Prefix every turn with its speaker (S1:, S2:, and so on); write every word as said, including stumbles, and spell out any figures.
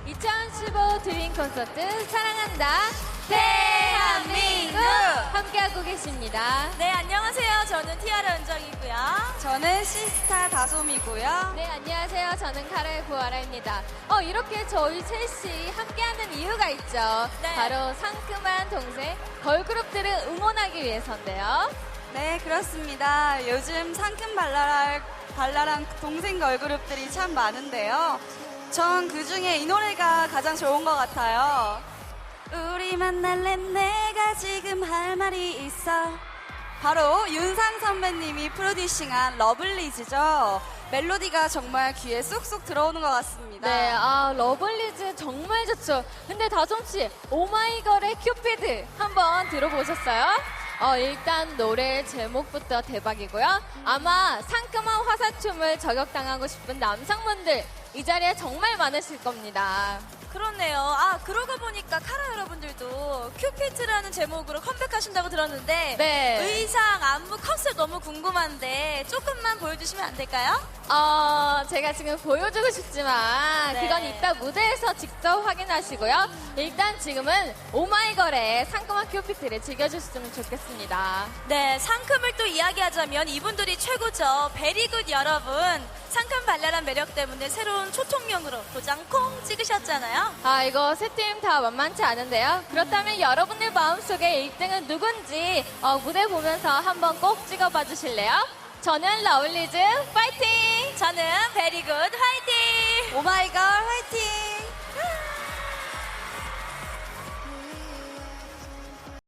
S1: 이천십오 드림 콘서트 사랑한다 대한민국 함께하고 계십니다.
S2: 네, 안녕하세요. 저는 티아라 은정이고요.
S3: 저는 시스타 다솜이고요.
S1: 네, 안녕하세요. 저는 카라의 구아라입니다. 어, 이렇게 저희 셋이 함께하는 이유가 있죠.
S2: 네.
S1: 바로 상큼한 동생 걸그룹들을 응원하기 위해서인데요.
S3: 네, 그렇습니다. 요즘 상큼 발랄할, 발랄한 동생 걸그룹들이 참 많은데요. 전 그중에 이 노래가 가장 좋은 것 같아요. 우리 만날래 내가 지금 할 말이 있어. 바로 윤상 선배님이 프로듀싱한 러블리즈죠. 멜로디가 정말 귀에 쏙쏙 들어오는 것 같습니다.
S1: 네, 아, 러블리즈 정말 좋죠. 근데 다솜씨, 오마이걸의 큐피드 한번 들어보셨어요? 어, 일단 노래 제목부터 대박이고요. 아마 상큼한 화사춤을 저격당하고 싶은 남성분들 이 자리에 정말 많으실 겁니다.
S2: 그렇네요. 아, 그러고 보니까 카라 여러분들도 큐피트라는 제목으로 컴백하신다고 들었는데
S1: 네.
S2: 의상, 안무, 컨셉 너무 궁금한데 조금만 보여주시면 안 될까요?
S1: 어, 제가 지금 보여주고 싶지만
S2: 네.
S1: 그건 이따 무대에서 직접 확인하시고요. 일단 지금은 오마이걸의 상큼한 큐피트를 즐겨주셨으면 좋겠습니다.
S2: 네, 상큼을 또 이야기하자면 이분들이 최고죠. 베리굿 여러분. 상큼 발랄한 매력 때문에 새로운 초통령으로 도장 콩 찍으셨잖아요.
S1: 아, 이거 세 팀 다 만만치 않은데요. 그렇다면 여러분들 마음속에 일 등은 누군지 어, 무대 보면서 한번 꼭 찍어봐 주실래요? 저는 러블리즈 파이팅!
S2: 저는 베리굿 화이팅!
S3: 오마이걸 화이팅!